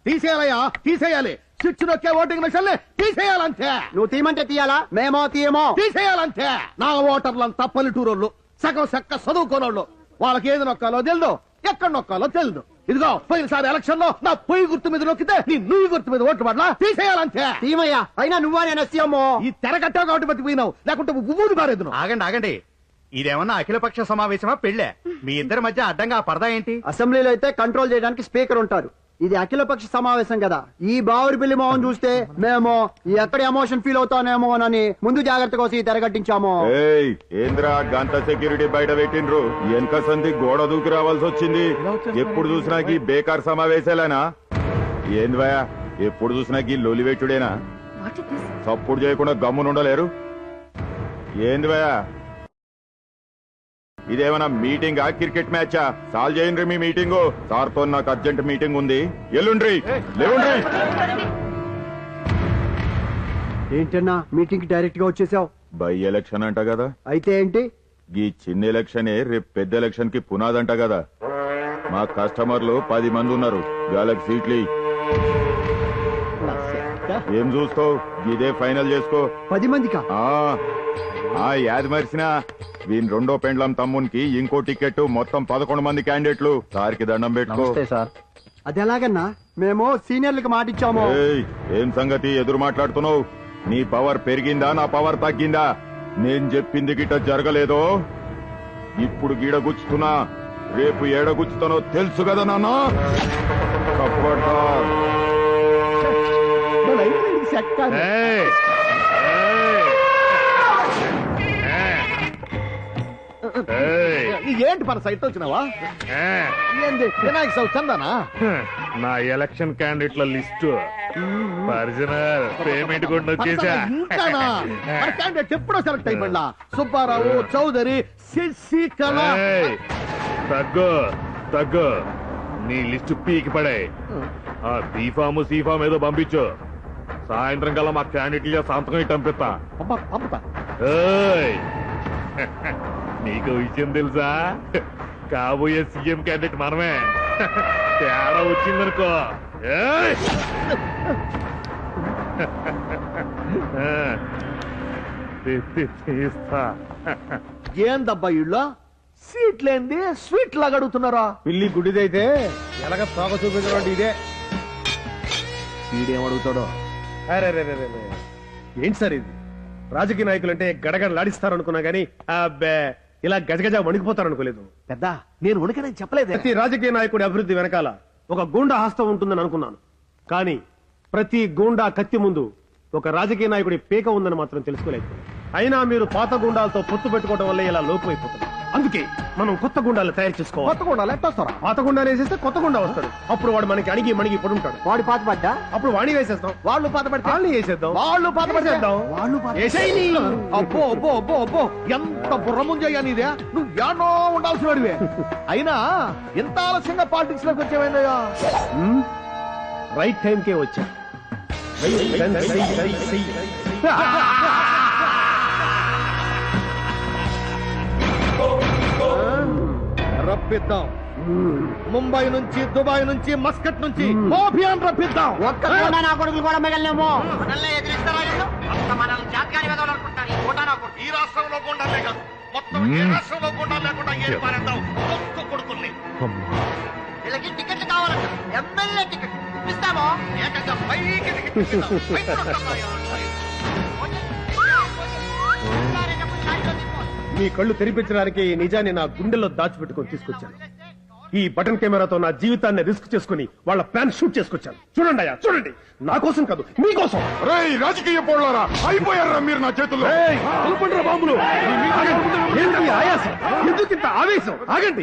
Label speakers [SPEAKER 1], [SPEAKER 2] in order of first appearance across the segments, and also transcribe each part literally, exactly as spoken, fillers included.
[SPEAKER 1] తీసేయాలయ్యా, తీసేయాలి. స్విచ్ నొక్కే ఓటింగ్ మిషన్లే తీసేయాలంతే.
[SPEAKER 2] నువ్వు తీయమంటే తీయాలా? మేమో తీయమో.
[SPEAKER 1] తీసేయాలంతే. నా ఓటర్లంతా పల్లెటూరోళ్ళు, సగం సక్క చదువుకోనోళ్ళు. వాళ్ళకి ఏది నొక్కాలో తెలుదు, ఎక్కడ నొక్కాలో తెలుదు. ఇదిగో పోయినసారి ఎలక్షన్ లో నా పొయ్యి గుర్తు మీద నొక్కితే నీ నువ్వు గుర్తు మీద ఓట్లు పడలా. తీసేయాలంతే.
[SPEAKER 2] తీమయ్యా, అయినా నువ్వా నేను సీఎమో.
[SPEAKER 1] ఈ తెరగట్టావు కాబట్టి బతికిపోయినావు, లేకుంటే ఊరు మారేదు.
[SPEAKER 3] ఆగండి ఆగండి, ఇదేమన్నా అఖిలపక్ష సమావేశమా పెళ్ళే? మీ ఇద్దరి మధ్య అడ్డంగా పరదా ఏంటి?
[SPEAKER 2] అసెంబ్లీలో అయితే కంట్రోల్ చేయడానికి స్పీకర్ ఉంటారు, ఇది అఖిలపక్ష సమావేశం కదా. ఈ బావురిపల్లి మోహన్ చూస్తే మేము ఎక్కడ ఎమోషన్ ఫీల్ అవుతానేమో అని ముందు జాగ్రత్త కోసం ఈ తెరగట్టించాము.
[SPEAKER 4] ఏంద్రా గంట సెక్యూరిటీ బయట పెట్టిండ్రు, వెనక సంది గోడ దూకి రావాల్సి వచ్చింది. ఎప్పుడు చూసినా ఈ బేకార్ సమావేశాలేనా? ఏంది భయ, ఎప్పుడు చూసినా ఈ లొలి పెట్టుడేనా? సప్పుడు చేయకుండా గమ్మునుండలేరు. ఏంది భయ, ఇదేమన్నా మీటింగా క్రికెట్ మ్యాచా? సాల్వ్ చేయండి మీ మీటింగ్. సార్తో నాకు అర్జెంట్ మీటింగ్ ఉంది, ఎల్లుండ్రి లేవుండ్రి.
[SPEAKER 2] ఏంటన్నా మీటింగ్ కి డైరెక్ట్ గా వచ్చేసావు?
[SPEAKER 4] బై ఎలక్షన్ అంట కదా.
[SPEAKER 2] అయితే ఏంటి?
[SPEAKER 4] ఈ చిన్న ఎలక్షనే రేపు పెద్ద ఎలక్షన్ కి పునాదంట కదా. మా కస్టమర్లు పది మంది ఉన్నారు, వాళ్ళకి సీట్లు ఏం చూస్తావు, ఇదే ఫైనల్ చేసుకో.
[SPEAKER 2] పది మందికా?
[SPEAKER 4] ఆ యాది మరిసిన వీని రెండో పెండ్లం తమ్మునికి ఇంకో టికెట్, మొత్తం పదకొండు మంది క్యాండిడేట్లు. సార్కి దండం పెట్టుకో.
[SPEAKER 2] అది ఎలాగన్నా? మేము సీనియర్లకు మాట ఇచ్చాము.
[SPEAKER 4] ఏం సంగతి ఎదురు మాట్లాడుతున్నావు? నీ పవర్ పెరిగిందా నా పవర్ తగ్గిందా? నేను చెప్పింది గిట్ట జరగలేదో ఇప్పుడు గీడ గుచ్చుతున్నా, రేపు ఏడ గుచ్చుతానో తెలుసు కదా నాన్న.
[SPEAKER 1] ఏంటి మన సైట్ వచ్చినావా? ఏంది వినాయక చవితి చందానా?
[SPEAKER 5] నా ఎలక్షన్ క్యాండిడేట్ల లిస్టు ఒరిజినల్ పేమెంట్ కూడా వచ్చేసా.
[SPEAKER 1] ఇంకానా? మన క్యాండిడేట్ ఎప్పుడో సెలెక్ట్ అయిపోయిందా? సుబ్బారావు, చౌదరి, శశికళ.
[SPEAKER 5] తగ్గు తగ్గు, నీ లిస్టు పీకి పడే. ఆ బీఫాము సీఫామ్ ఏదో పంపించు, సాయంత్రం కల్లా మా క్యాండిడేట్ సంతకం ఇటు పంపిస్తా.
[SPEAKER 1] పంపుతా.
[SPEAKER 5] నీకు విషయం తెలుసా? కాబోయే సీఎం క్యాండిడేట్ మనమే. తేడా వచ్చిందనుకో తీస్తా.
[SPEAKER 1] ఏందబ్బా ఇళ్ళో సీట్లేంది స్వీట్ లాగా అడుగుతున్నారా?
[SPEAKER 3] పిల్లి గుడిదైతే ఎలాగ తోక చూపించడం ఇదే.
[SPEAKER 1] వీడేమడుగుతాడో.
[SPEAKER 3] ఏంటి సార్ ఇది? రాజకీయ నాయకులు అంటే గడగడలాడిస్తారు అనుకున్నా గానీ అబ్బే ఇలా గజగజ వణికిపోతారు అనుకోలేదు.
[SPEAKER 1] పెద్ద నేను వణికనని చెప్పలేదు.
[SPEAKER 3] ప్రతి రాజకీయ నాయకుడి అభివృద్ధి వెనకాల ఒక గూండా హస్తం ఉంటుందని అనుకున్నాను, కానీ ప్రతి గూండా కత్తి ముందు ఒక రాజకీయ నాయకుడి పీక ఉందని మాత్రం తెలుసుకోలేదు. అయినా మీరు పాత గుండాలతో పొత్తు పెట్టుకోవడం వల్ల ఇలా లోపమైపోతుంది. అందుకే మనం కొత్త గుండాలు తయారు చేసుకోవాలి.
[SPEAKER 1] కొత్త గుండాలు ఎట్టొస్తారా?
[SPEAKER 3] పాత గుండా వేసేస్తే కొత్త గుండా వస్తాడు. అప్పుడు వాడు మనకి అణిగి మణిగి పడుంటాడు.
[SPEAKER 2] వాడి పాత పడ్డా
[SPEAKER 3] అప్పుడు వాణి వేసేస్తాం.
[SPEAKER 1] వాళ్ళు పాత పడితే
[SPEAKER 3] వాళ్ళని వేసేద్దాం.
[SPEAKER 1] వాళ్ళు పాత పడిచేద్దాం.
[SPEAKER 3] వాళ్ళు
[SPEAKER 1] అబ్బో అబ్బో అబ్బో అబ్బో ఎంత బుర్రముంజయ్యా నీదే. నువ్వు యానో ఉండాల్సిన వాడివే. అయినా ఎంత ఆలస్యంగా పాలిటిక్స్ లోకి వచ్చేవైందయ్యా?
[SPEAKER 3] రైట్ టైంకే వచ్చా.
[SPEAKER 1] రప్పిద్దాం. ముంబై నుంచి, దుబాయ్ నుంచి, మస్కట్ నుంచి మోఫియాన్ రప్పిద్దాం.
[SPEAKER 2] ఒక్క నా కొడుకులు కూడా మిగలేమో.
[SPEAKER 1] ఈ రాష్ట్రంలో గుండాలే కాదు, మొత్తం ఈ రాష్ట్రంలో గుండా లేకుండా ఏ పారేద్దాం ఒక్క కొడుకుల్ని.
[SPEAKER 6] వీళ్ళకి టికెట్లు కావాలంట, ఎమ్మెల్యే టికెట్ ఇప్పిస్తామో ఏకంగా పైకి టికెట్
[SPEAKER 3] మీ కళ్ళు తెరిపించడానికి ఈ నిజాన్ని నా గుండెల్లో దాచిపెట్టుకొని తీసుకొచ్చాను. ఈ బటన్ కెమెరాతో నా జీవితాన్ని రిస్క్ చేసుకుని వాళ్ళ ప్లాన్ షూట్ చేసుకొచ్చాను. చూడండి అయ్యా, చూడండి. నా కోసం కాదు, మీకోసం.
[SPEAKER 4] రాజకీయ పోలారా అయిపోయారా మీరు నా చేతుల్లో?
[SPEAKER 3] బాంబులు. ఆయాసం ఎందుకు ఇంత ఆవేశం? ఆగండి.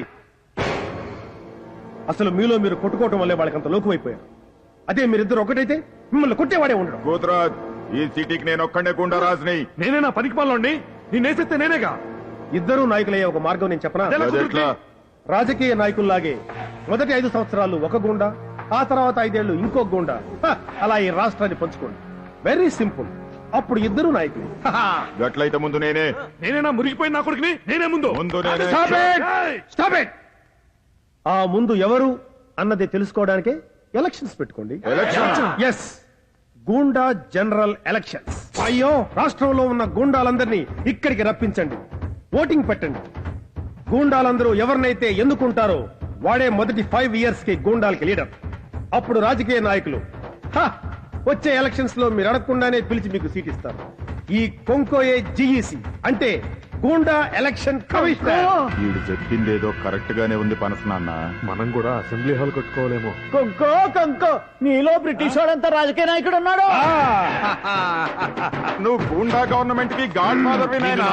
[SPEAKER 3] అసలు మీలో మీరు కొట్టుకోవటం వల్లే వాళ్ళకంత లోకమైపోయారు. అదే మీరిద్దరు ఒకటైతే మిమ్మల్ని కొట్టేవాడే ఉండడం.
[SPEAKER 4] గోత్రాజ్, ఈ సిటీకి నేను ఒక్కడే గుండా రాజుని.
[SPEAKER 3] నేనేనా పనికి పాలండి? నేనేసేస్తే నేనేగా. ఇద్దరు నాయకులయ్యే ఒక మార్గం నేను చెప్పనా? రాజకీయ నాయకుల్లాగే మొదటి ఐదు సంవత్సరాలు ఒక గుండా, ఆ తర్వాత ఐదేళ్లు ఇంకో గుండా, అలా ఈ రాష్ట్రాన్ని పంచుకోండి. Very simple. అప్పుడు ఇద్దరు నాయకులు.
[SPEAKER 4] గట్లయితే ముందు నేనే.
[SPEAKER 3] నేనేనా మురిగిపోయిన నా కొడుకుని? నేనే ముందు.
[SPEAKER 4] ముందు నేనే.
[SPEAKER 3] Stop it! Stop it! ఆ ముందు ఎవరు అన్నది తెలుసుకోవడానికే ఎలక్షన్స్ పెట్టుకోండి.
[SPEAKER 4] Election
[SPEAKER 3] yes, goonda general elections. అయ్యో, రాష్ట్రంలో ఉన్న గూండాలందరినీ ఇక్కడికి రప్పించండి, ఓటింగ్ పెట్టండి. గూండాలందరూ ఎవరినైతే ఎన్నుకుంటారో వాడే మొదటి ఫైవ్ ఇయర్స్ కి గూండాలకి లీడర్. అప్పుడు రాజకీయ నాయకులు హ, వచ్చే ఎలక్షన్స్ లో మీరు అడగకుండానే పిలిచి మీకు సీట్ ఇస్తారు. ఈ కొంకోయే జిఈసి అంటే గూండా ఎలక్షన్ కమిషనర్.
[SPEAKER 4] వీడు చెప్పిందేదో కరెక్ట్ గానే ఉంది పనస నాన్న.
[SPEAKER 5] మనం కూడా అసెంబ్లీ హాల్ కట్టుకోవాలేమో.
[SPEAKER 2] కొంకో కొంకో నీలో బ్రిటిష్ వాడంతా రాజకీయ నాయకుడు ఉన్నాడు.
[SPEAKER 4] నువ్వు గూండా గవర్నమెంట్ కి గాడ్ ఫాదర్ వినాయనా.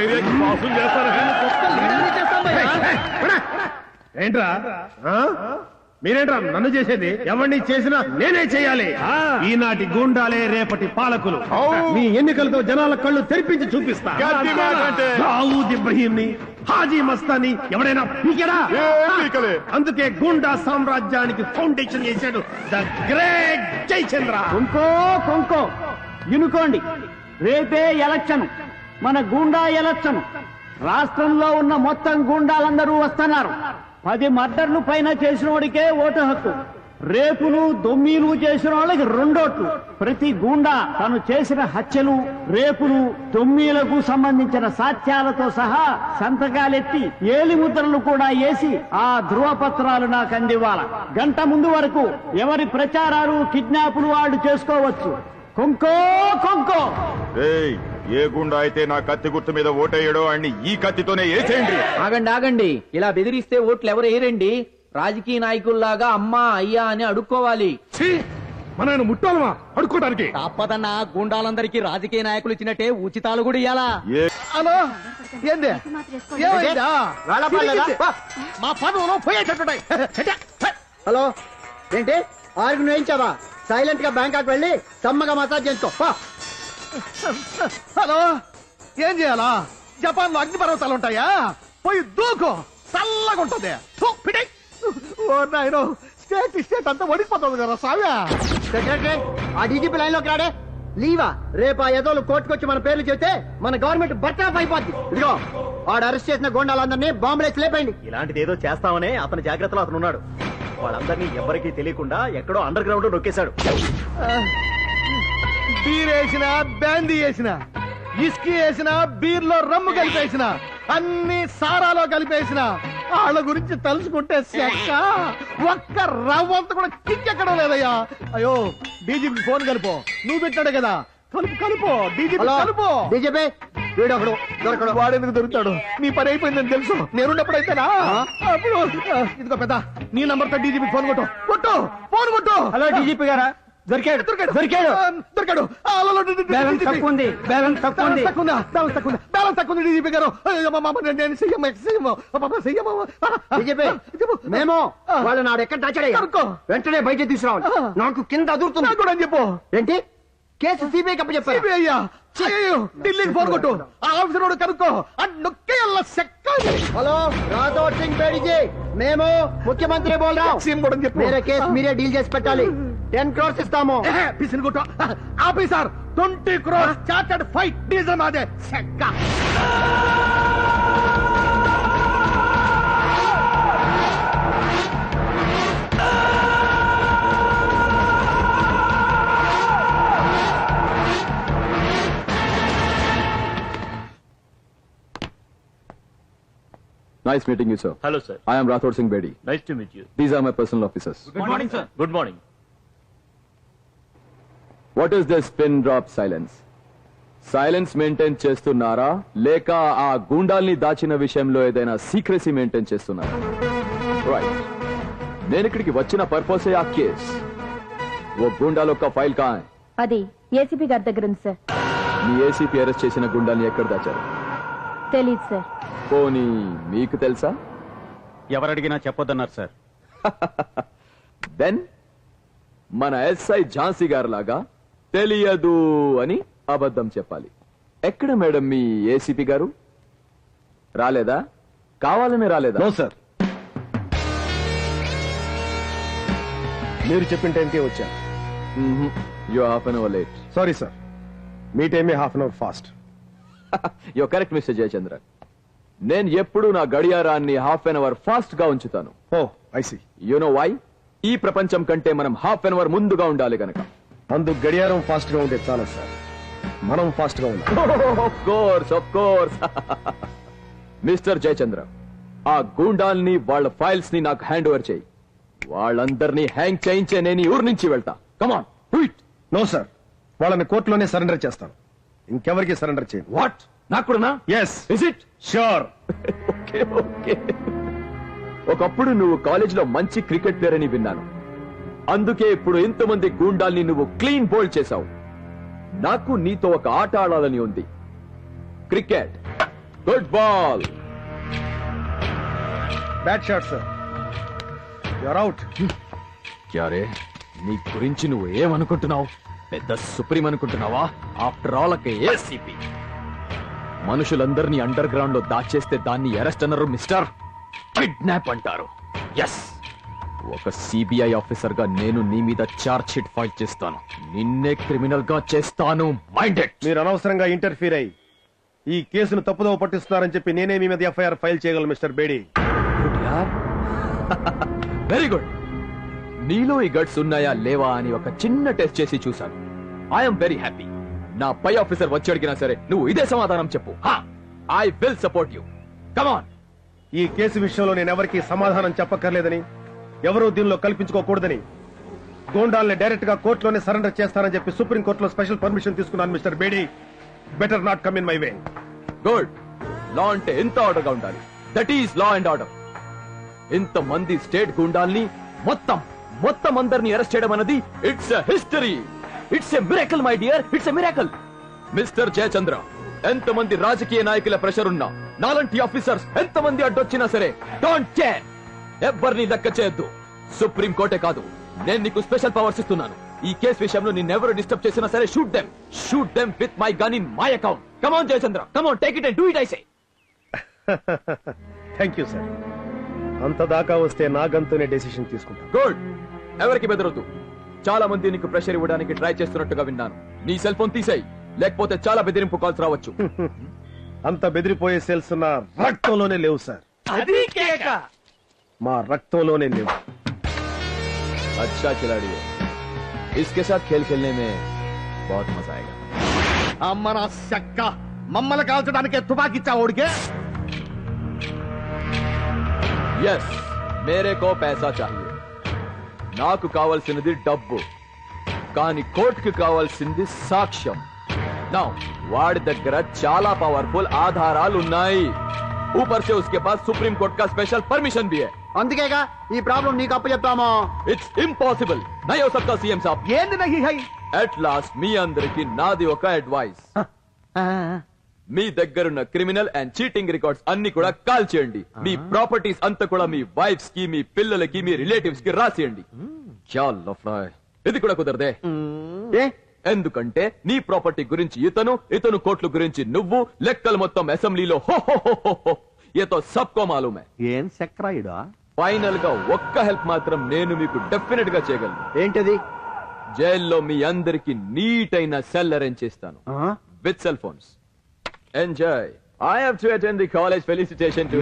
[SPEAKER 3] ఏంట్రా ఆ? మీరేంట్రా నన్ను చేసేది? ఎవరిని చేసినా నేనే చేయాలి. ఈనాటి గూండాలే రేపటి పాలకులు. మీ ఎన్నికలతో జనాల కళ్ళు తెరిపించి చూపిస్తా.
[SPEAKER 4] గట్టి మాట అంటే.
[SPEAKER 3] దావూద్ ఇబ్రహీంని, హాజీ మస్తాని ఎవడైనా పీకెరా?
[SPEAKER 4] ఏం పీకలే.
[SPEAKER 3] అందుకే గూండా సామ్రాజ్యానికి ఫౌండేషన్ చేశాడు ద గ్రేట్ జయచంద్ర.
[SPEAKER 2] కొంకో కొంకో వినుకోండి, రేపే ఎలక్షన్, మన గూండా ఎలక్షన్. రాష్ట్రంలో ఉన్న మొత్తం గూండాలందరూ వస్తున్నారు. పది మర్డర్లు పైన చేసిన వాడికే ఓటు హక్కు, రేపులు దొమ్మీలు చేసిన వాళ్ళకి రెండోట్లు. ప్రతి గూండా తను చేసిన హత్యలు, రేపులు, దొమ్మీలకు సంబంధించిన సాక్ష్యాలతో సహా సంతకాలెత్తి ఏలి ముద్రలు కూడా వేసి ఆ ధృవపత్రాలు నాకు అందివ్వాల. గంట ముందు వరకు ఎవరి ప్రచారాలు, కిడ్నాపులు వాళ్ళు చేసుకోవచ్చు. కొంకో కొంకో.
[SPEAKER 4] ఏయ్, ఏ గుండా అయితే నా కత్తి గుర్తు మీద ఓటేయడో అన్ని ఈ కత్తితోనే వేసేయండి.
[SPEAKER 7] ఆగండి ఆగండి, ఇలా బెదిరిస్తే ఓట్లు ఎవరు వేయరండి. రాజకీయ నాయకుల్లాగా అమ్మా అయ్యా అని అడుక్కోవాలి.
[SPEAKER 3] మన ముట్టాలమా అడుక్కోవడానికి?
[SPEAKER 7] తప్పదన్నా, గుండాలందరికీ రాజకీయ నాయకులు ఇచ్చినట్టే ఉచితాలు కూడా ఇయ్యాలా?
[SPEAKER 1] హలో, ఏంది ఏమైందా?
[SPEAKER 2] వేళపాలేదా?
[SPEAKER 1] మా పనులు పోయేటట్టున్నాయి.
[SPEAKER 2] హలో, ఏంటి ఆరుగురు వేయించావా? సైలెంట్ గా బ్యాంకాక్ వెళ్ళి సమ్మగా మసాజ్ చేసుకో. పో.
[SPEAKER 1] హలో, ఏం చేయాలా? జపాన్ లో అగ్ని పర్వతాలు ఉంటాయా? పోయి దూకు, చల్లగా ఉంటుంది. థు, పిటై. ఓ నాయనో, స్టేట్ స్టేట్ అంతా వడిపోతుంది కదా సావ్యా.
[SPEAKER 2] సెక్రటరీ, ఆ డీజీపీ లైన్ లోకి రాడే. లీవా? రేపు ఆ ఎదోలు కోర్టుకొచ్చి మన పేర్లు చెబితే మన గవర్నమెంట్ బర్తరఫ్ అయిపోద్ది. ఇదిగో, వాడు అరెస్ట్ చేసిన గోండాలందరినీ బాంబులేసి లేపండి.
[SPEAKER 8] ఇలాంటిది ఏదో చేస్తామనే అతని జాగ్రత్తలో అతను ఉన్నాడు. వాళ్ళందరినీ ఎవరికీ తెలియకుండా ఎక్కడో అండర్ గ్రౌండ్ లో నొక్కేశాడు.
[SPEAKER 1] బీర్ వేసిన, బ్యాందీ వేసిన, ఇస్కీ వేసిన, బీర్ లో రమ్ము కలిపేసిన, అన్ని సారాలో కలిపేసిన వాళ్ళ గురించి తలుచుకుంటే చెక్క ఒక్క రవ్వంత కూడా కిక్కెక్కడం లేదయ్యా. అయ్యో, డీజీపీ ఫోన్ కలుపు. నువ్వు పెట్టాడు కదా, కలుపు కలుపు డీజీపీ కలుపు.
[SPEAKER 2] డీజీపీ వీడొకడు దొరకడు.
[SPEAKER 1] వాడెందుకు దొరుకుతాడు? నీ పని అయిపోయిందని తెలుసు. నేనున్నప్పుడు అయితేనా? అప్పుడు ఇదిగో పెద్ద, నీ నంబర్ తో డీజీపీ ఫోన్ కొట్టు కొట్టు ఫోన్ కొట్టు.
[SPEAKER 2] హలో డీజీపీ గారా? దొరికాడు
[SPEAKER 1] దొరికాడు
[SPEAKER 2] దొరికాడు.
[SPEAKER 1] దొరికాడు.
[SPEAKER 2] బ్యాలెన్స్ తక్కువ ఉంది, బ్యాలెన్స్ తక్కువ ఉంది.
[SPEAKER 1] తక్కువ ఉందా? బ్యాలెన్స్ తక్కువ ఉంది, బ్యాలెన్స్ తక్కువ ఉంది డీజీపీ గారు. అయ్యో, మా మామ, నేను సీఎం సీఎం సీఎం.
[SPEAKER 2] డీజీపీ, మేము వాళ్ళు నాడు ఎక్కడ దాచాడయ్యా?
[SPEAKER 1] కనుక్కో.
[SPEAKER 2] వెంటనే బయట తీసుకురావాలి. నాకు కింద అదురుతుంది.
[SPEAKER 1] నాకు కూడా అని చెప్పు.
[SPEAKER 2] ఏంటి కేసు సిబిఐ కప్ప చెప్పారు?
[SPEAKER 1] సిబిఐ అయ్యా? అయ్యో, ఢిల్లీకి ఫోన్ కొట్టు. ఆ ఆఫీసర్ వాడు కనుక్కో. ఆ నొక్కేయల్ల సెక్క.
[SPEAKER 2] హలో, రాథోడ్ సింగ్ బేడి జీ, మేము ముఖ్యమంత్రి బోల్ రా.
[SPEAKER 1] సీఎం కూడా అని చెప్పు.
[SPEAKER 2] మీరే కేసు మీరే డీల్ చేసి పెట్టాలి. టెన్ క్రోర్స్ ఇస్తాము.
[SPEAKER 1] పిసిని కొట్టు. Officer, twenty crores chartered flight diesel మాదే సెక్క.
[SPEAKER 9] Nice meeting you, sir.
[SPEAKER 8] Hello sir.
[SPEAKER 9] I am Rathod Singh Bedi.
[SPEAKER 8] Nice to meet you.
[SPEAKER 9] These are my personal officers.
[SPEAKER 8] Good morning sir. Good morning.
[SPEAKER 9] What is this pin drop silence? Silence maintain చేస్తున్నారా లేక ఆ గూండాల్ని దాచిన విషయంలో ఏదైనా secrecy maintain చేస్తున్నారా? Right, నేను ఇక్కడికి వచ్చిన పర్పస్ ఆ కేస్. ఓ గూండాలో ఒక ఫైల్ కా హై?
[SPEAKER 10] అది ఏసీపీ గారి దగ్గర ఉంది సార్.
[SPEAKER 9] మీ ఏసీపీ అరెస్ట్ చేసిన గుండాల్ని ఎక్కడ దాచారు?
[SPEAKER 10] తెలీదు సార్.
[SPEAKER 9] పోనీ మీకు తెలుసా?
[SPEAKER 8] ఎవరు అడిగినా చెప్పొద్దన్నారు సార్.
[SPEAKER 9] దెన్ మన ఎస్ఐ ఝాన్సీ గారు లాగా తెలియదు అని అబద్ధం చెప్పాలి. ఎక్కడ మేడం మీ ఏసీపీ గారు? రాలేదా? కావాలని రాలేదా?
[SPEAKER 3] నో సార్, మీరు చెప్పిన టైంకే వచ్చా.
[SPEAKER 9] You half an hour late.
[SPEAKER 3] Sorry sir, మీ టైమే half an hour fast.
[SPEAKER 9] You correct mister Jayachandran. నేను ఎప్పుడు నా గడియారాన్ని హాఫ్ అన్ అవర్ ఫాస్ట్ గా ఉంచుతాను.
[SPEAKER 3] Oh, I see.
[SPEAKER 9] You know why? ఈ ప్రపంచం కంటే మనం హాఫ్ అన్ అవర్ ముందుగా ఉండాలి గనక.
[SPEAKER 3] అందుకు గడియారం ఫాస్ట్ గా ఉంటే చాలా సార్, మనం ఫాస్ట్ గా ఉండాలి.
[SPEAKER 9] Of course of course mister Jayachandra, ఆ గూండాల్ని వాళ్ళ ఫైల్స్ ని నాకు హ్యాండ్ ఓవర్ చేయి. వాళ్ళందరినీ హ్యాంగ్ చేయించే నేను ఈ ఊరు నుంచి వెళ్తా. Come on do it.
[SPEAKER 3] No sir, వాళ్ళని కోర్టులోనే సరెండర్ చేస్తాను, ఇంకెవరికి సరెండర్ చేయను.
[SPEAKER 9] వాట్? నాకు కూడానా?
[SPEAKER 3] Yes.
[SPEAKER 9] Is it?
[SPEAKER 3] Sure.
[SPEAKER 9] Okay okay. ఒకప్పుడు నువ్వు కాలేజ్ లో మంచి క్రికెట్ ప్లేయర్ అని విన్నాను, అందుకే ఇప్పుడు ఇంతమంది గూండాల్ని నువ్వు క్లీన్ బౌల్ చేశావు. నాకు నీతో ఒక ఆట ఆడాలని ఉంది. Cricket. Good ball.
[SPEAKER 3] Bat shot sir, you're out.
[SPEAKER 9] క్యారే, నీ గురించి నువ్వు ఏమనుకుంటున్నావు? పెద్ద సుప్రీం అనుకుంటున్నావా? ఆఫ్టర్ ఆల్ ఒక ఏసీపీ. మనుషులందరినీ అండర్ గ్రౌండ్ లో దాచేస్తే దాన్ని అరెస్ట్ అన్నారు మిస్టర్. కిడ్నాప్ అంటారు. ఎస్, ఒక సిబిఐ ఆఫీసర్ గా నేను నీ మీద చార్జ్ షీట్ ఫైల్ చేస్తాను. నిన్నే క్రిమినల్ గా చేస్తాను. మైండెడ్.
[SPEAKER 3] మీరు అనవసరంగా ఇంటర్ఫీర్ అయ్యి ఈ కేసును తప్పుదోవ పట్టిస్తున్నారని చెప్పి నేనే మీ మీద ఎఫ్ఐఆర్ ఫైల్ చేయగలను మిస్టర్ బేడీ.
[SPEAKER 9] Very good. నీలో ఈ గట్స్ ఉన్నాయా లేవా అని ఒక చిన్న టెస్ట్ చేసి చూశాను. I'm very happy. నా పై ఆఫీసర్ వచ్చి అడిగినా సరే నువ్వు ఇదే సమాధానం చెప్పు. I will support you. Come on.
[SPEAKER 3] ఈ కేసు విషయంలో నేను ఎవరికి సమాధానం చెప్పక్కర్లేదని, ఎవరూ దీనిలో కల్పించుకోకూడదని, గోండాల్ని డైరెక్ట్ గా కోర్టులోనే సరెండర్ చేస్తానని చెప్పి సుప్రీం కోర్టులో స్పెషల్ పర్మిషన్ తీసుకున్నాను mister Bedi. Better not come in my way.
[SPEAKER 9] Good. Law అంటే ఎంత ఆర్డర్ గా ఉండాలి. That is law and order. ఇంత మంది స్టేట్ గుండాల్ని మొత్తం మొత్తం అందరినీ అరెస్ట్ చేయడం అన్నది it's a history. It's a miracle my dear. It's a miracle. Mister Jayachandra, ఎంతమంది రాజకీయ నాయకుల ప్రెషర్ ఉన్నా, నాలంటి ఆఫీసర్స్ ఎంతమంది అడ్డొచ్చినా సరే డోంట్ కేర్. ఎవరిని లెక్క చేయొద్దు. సుప్రీం కోర్టే కాదు, నేను నీకు స్పెషల్ పవర్స్ ఇస్తున్నాను. ఈ కేసు విషయంలో నిన్నెవరు డిస్టర్బ్ చేసినా సరే shoot them. Shoot them with my gun in my account. Come on Jayachandra, come on, take it and do it. I say.
[SPEAKER 3] Thank you sir. అంత దాకా వస్తే నా గంతునే డెసిషన్ తీసుకుంటాను.
[SPEAKER 9] గుడ్. ఎవరికి బెదరొద్దు. చాలా మంది నీకు ప్రెషర్ ఇవ్వడానికి ట్రై చేస్తున్నట్టుగా విన్నాను. నీ సెల్ ఫోన్ తీసేయి, లేకపోతే చాలా బెదిరింపు కాల్స్ రావచ్చు.
[SPEAKER 3] అంత బెదిరిపోయే సెల్స్ నా రక్తంలోనే లేవు సార్.
[SPEAKER 9] అది కేక.
[SPEAKER 3] మా రక్తంలోనే లేవు.
[SPEAKER 9] अच्छा खिलाड़ी है. इसके साथ खेल खेलने में बहुत मजा आएगा.
[SPEAKER 1] అమ్మ నా చెక్క, మమ్మల్ని కాల్చడానికి తుపాకిచ్చా ఓడికే.
[SPEAKER 9] यस, मेरे को पैसा चाहिए. నాకు కావాల్సినది డబ్బు, కానీ కోర్టుకి కావాల్సింది సాక్ష్యం. నా వాడి దగ్గర చాలా పవర్ఫుల్ ఆధారాలు ఉన్నాయి. ऊपर से उसके पास सुप्रीम कोर्ट का स्पेशल परमिशन भी है.
[SPEAKER 6] అందుకేగా ఈ ప్రాబ్లం నీకు అప్పు చెప్తాము.
[SPEAKER 9] It's impossible. నై హో సక్తా సీఎం సాబ్.
[SPEAKER 1] ఏంది నహి హై?
[SPEAKER 9] అట్ లాస్ట్ మీ అందరికి నాది ఒక అడ్వైస్. మీ దగ్గరున్న క్రిమినల్ అండ్ చీటింగ్ రికార్డ్స్ అన్ని కూడా కాల్ చేయండి. మీ ప్రాపర్టీస్ అంతా కూడా మీ వైఫ్స్ కి, మీ పిల్లలకి, మీ రిలేటివ్స్ కి రాసేయండి. ఇది కూడా కుదరదే. ఎందుకంటే నీ ప్రాపర్టీ గురించి ఇతను, ఇతను కోర్టుల గురించి నువ్వు, లెక్కలు మొత్తం అసెంబ్లీలో హో హో హో హో హో. ఏతో సబ్కో మాలూమే.
[SPEAKER 1] ఏం చక్రాయుడా?
[SPEAKER 9] ఫైనల్ గా ఒక్క హెల్ప్ మాత్రం నేను మీకు డెఫినెట్ గా చేయగలను.
[SPEAKER 6] ఏంటది?
[SPEAKER 9] జైల్లో మీ అందరికి నీట్ అయిన సెల్ అరేంజ్ చేస్తాను with cell phones. Enjoy. I have to attend the college felicitation to